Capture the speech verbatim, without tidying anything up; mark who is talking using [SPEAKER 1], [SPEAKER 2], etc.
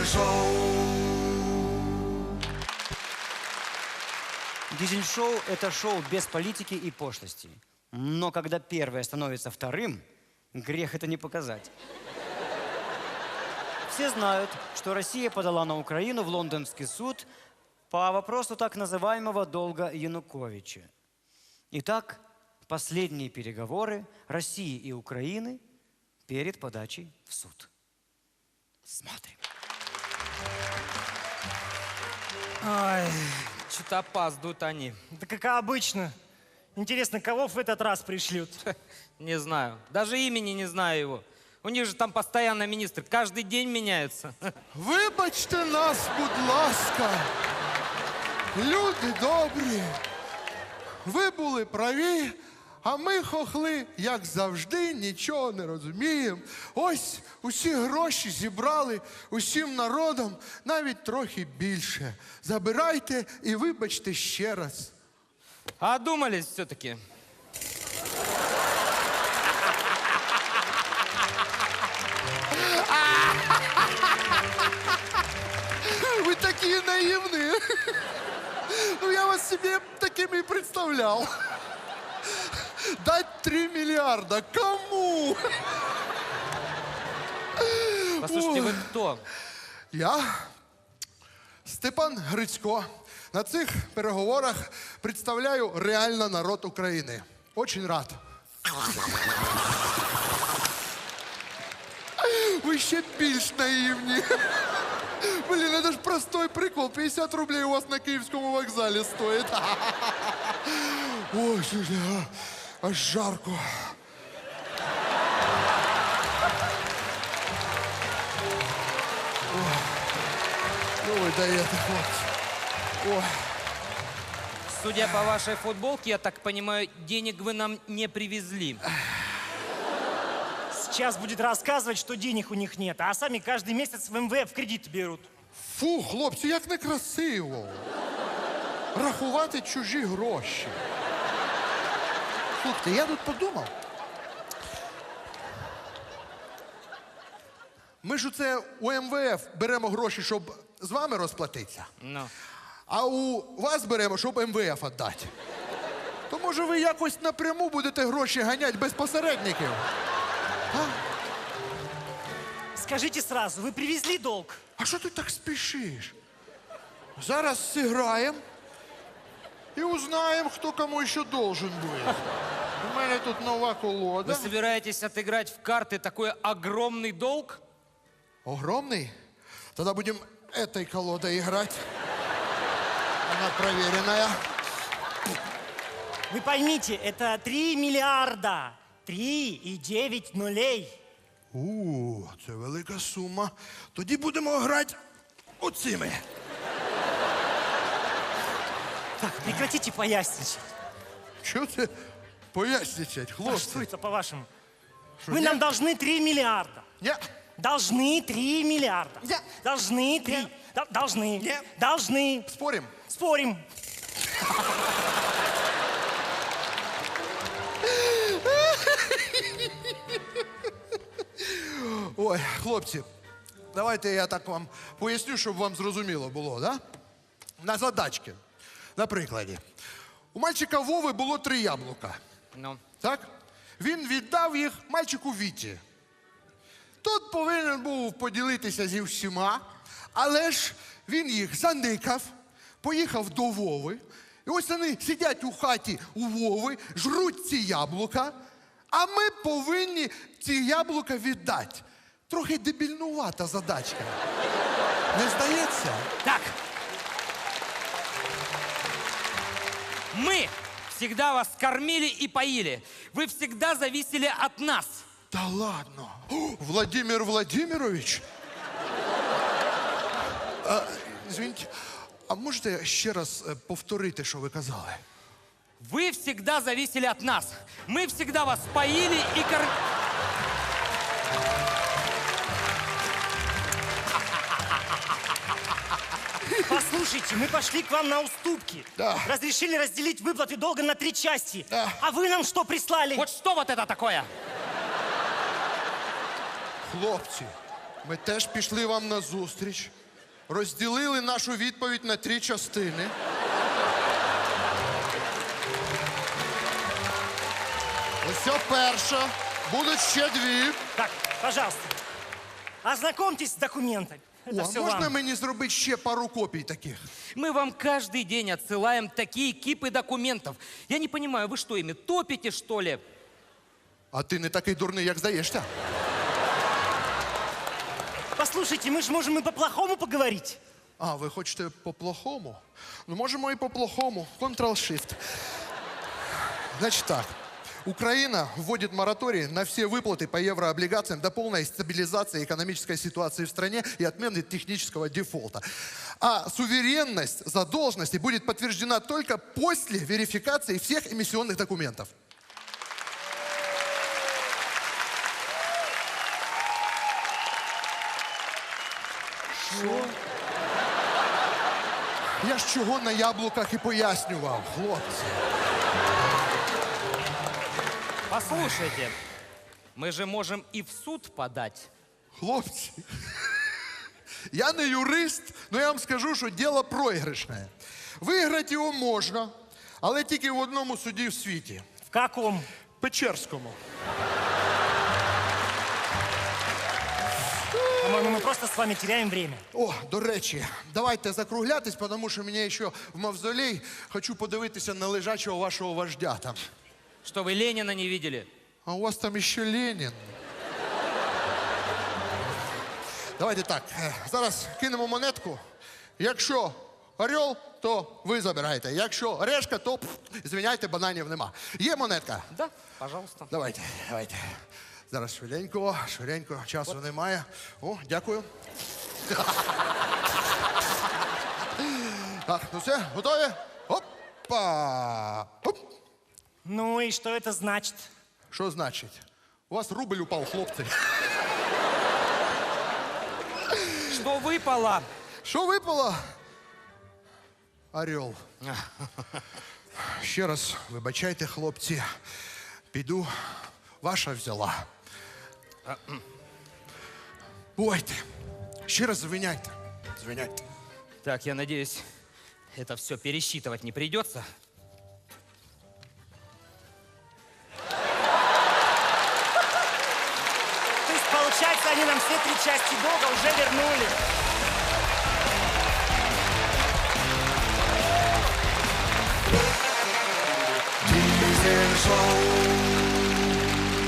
[SPEAKER 1] Дизель-шоу.
[SPEAKER 2] Дизель-шоу – это шоу без политики и пошлости. Но когда первое становится вторым, грех это не показать. Все знают, что Россия подала на Украину в лондонский суд по вопросу так называемого долга Януковича. Итак, последние переговоры России и Украины перед подачей в суд. Смотрим.
[SPEAKER 3] Ай, что-то опаздывают они.
[SPEAKER 4] Да как обычно. Интересно, кого в этот раз пришлют?
[SPEAKER 3] Не знаю. Даже имени не знаю его. У них же там постоянно министр. Каждый день меняются.
[SPEAKER 1] Вибачте нас, будь ласка. Люди добрі. Ви були праві, а ми, хохли, як завжди, нічого не розуміємо. Ось усі гроші зібрали усім народом, навіть трохи більше. Забирайте і вибачте ще раз.
[SPEAKER 3] А одумались все-таки.
[SPEAKER 1] Ви такі наївні. Ну, я вас себе такими и представлял. Дать три миллиарда кому?
[SPEAKER 3] Послушайте, вы кто?
[SPEAKER 1] Я Степан Грицько. На цих переговорах представляю реально народ України. Очень рад. Ви ще більш наївні. Блін, это ж простой прикол. пятьдесят рублей у вас на Київському вокзалі стоїть. Ой, слушай, а, аж жарко. Ой, ну ви даєте, хлопці. Ой.
[SPEAKER 3] Судя по вашей футболке, я так понимаю, денег вы нам не привезли.
[SPEAKER 4] Сейчас будет рассказывать, что денег у них нет, а сами каждый месяц в эм вэ эф кредит берут.
[SPEAKER 1] Фу, хлопці, як некрасиво. Рахувати чужі гроші. Слухайте, я тут подумав. Ми ж оце у ем вэ еф беремо гроші, щоб з вами розплатитися.
[SPEAKER 3] Ну.
[SPEAKER 1] А у вас беремо, щоб ем вэ еф віддати. То може ви якось напряму будете гроші ганяти без посередників? А?
[SPEAKER 4] Скажите сразу, вы привезли долг?
[SPEAKER 1] А що ти так спішиш? Зараз зіграємо і узнаємо, хто кому ще должен буде. У мене тут нова колода.
[SPEAKER 3] Вы собираетесь отыграть в карты такой огромный долг?
[SPEAKER 1] Огромный? Тогда будем этой колодой играть. Она проверенная.
[SPEAKER 4] Вы поймите, это три миллиарда. Три и девять нулей.
[SPEAKER 1] У, це велика сума. Тоді будемо грати оцими.
[SPEAKER 4] Так, прекратите поясничать.
[SPEAKER 1] Чого це поясничать,
[SPEAKER 4] А
[SPEAKER 1] хлопці?
[SPEAKER 4] что это, по-вашему? Вы
[SPEAKER 1] нет?
[SPEAKER 4] нам должны три миллиарда.
[SPEAKER 1] Ні.
[SPEAKER 4] Должны три миллиарда.
[SPEAKER 1] Нет.
[SPEAKER 4] Должны три.
[SPEAKER 1] Нет.
[SPEAKER 4] Д- Должны.
[SPEAKER 1] Нет.
[SPEAKER 4] Должны.
[SPEAKER 1] Спорим?
[SPEAKER 4] Спорим.
[SPEAKER 1] Ой, хлопці, давайте я так вам поясню, щоб вам зрозуміло було, да? На задачки. На прикладі. У мальчика Вови було три яблука.
[SPEAKER 3] Ну.
[SPEAKER 1] Так? Він віддав їх мальчику Віті. Тут повинен був поділитися зі всіма, але ж він їх заникав, поїхав до Вови. І ось вони сидять у хаті у Вови, жруть ці яблука, а ми повинні ці яблука віддати. Трохи дебільнувата задачка. Не здається?
[SPEAKER 3] Так. Мы всегда вас кормили и поили. Вы всегда зависели от нас.
[SPEAKER 1] Та ладно. О, Владимир Владимирович? А, извините, а можете ще раз е, повторити, що ви казали?
[SPEAKER 3] Вы всегда зависели от нас. Мы всегда вас поили и кормили.
[SPEAKER 4] Послушайте, мы пошли к вам на уступки.
[SPEAKER 1] Да.
[SPEAKER 4] Разрешили разделить выплаты долга на три части.
[SPEAKER 1] Да.
[SPEAKER 4] А вы нам что прислали?
[SPEAKER 3] Вот что вот это такое?
[SPEAKER 1] Хлопці, Ми теж пішли вам на зустріч, розділили нашу відповідь на три частини. Ось ця перша, будуть ще дві.
[SPEAKER 4] Так, пожалуйста, ознакомьтесь с документами. Это
[SPEAKER 1] О, а
[SPEAKER 4] все
[SPEAKER 1] можна
[SPEAKER 4] вам.
[SPEAKER 1] мені зробити ще пару копій таких?
[SPEAKER 3] Мы вам каждый день отсылаем такие кипы документов. Я не понимаю, вы что, ими топите, что ли?
[SPEAKER 1] А ти не такий дурний, як здаєшся.
[SPEAKER 4] Послушайте, мы же можем и по-плохому поговорить.
[SPEAKER 1] А, ви хочете по-плохому? Ну, можемо і по-плохому. Ctrl-Shift. Значит так. Украина вводит мораторий на все выплаты по еврооблигациям до полной стабилизации экономической ситуации в стране и отмены технического дефолта. А суверенность задолженности будет подтверждена только после верификации всех эмиссионных документов. Що? Я ж чого на яблуках і пояснював, хлопці.
[SPEAKER 3] Послушайте, мы же можем и в суд подать.
[SPEAKER 1] Хлопці, я не юрист, але я вам скажу, що діло проіграшне. Виграти його можна, але тільки в одному суді в світі.
[SPEAKER 4] В каком?
[SPEAKER 1] Печерському.
[SPEAKER 4] По-моему, мы просто с вами теряем время.
[SPEAKER 1] О, до речі, давайте закруглятись, тому що мені ще в мавзолей хочу подивитися на лежачого вашого вождя там.
[SPEAKER 3] Что, вы Ленина не видели?
[SPEAKER 1] А у вас там ще Ленін. Давайте так, е, зараз кинемо монетку. Якщо орел, то ви забираєте. Якщо решка, то, пф, звиняйте, бананів нема. Є монетка?
[SPEAKER 3] Да, пожалуйста.
[SPEAKER 1] Давайте, давайте. Зараз швиденько, швиденько, часу немає. О, дякую. Так, ну все, готові? Опа! Оп!
[SPEAKER 4] Ну и что это значит?
[SPEAKER 1] Що значить? У вас рубль упав, хлопці.
[SPEAKER 3] Что выпало?
[SPEAKER 1] Що випало? Орел. Ще раз вибачайте, хлопці. Піду, ваша взяла. Бувайте. Ще раз звиняйте. Звиняйте.
[SPEAKER 3] Так, я надеюсь, это все пересчитывать не придется.
[SPEAKER 4] То есть, получается, они нам все три части долга уже вернули.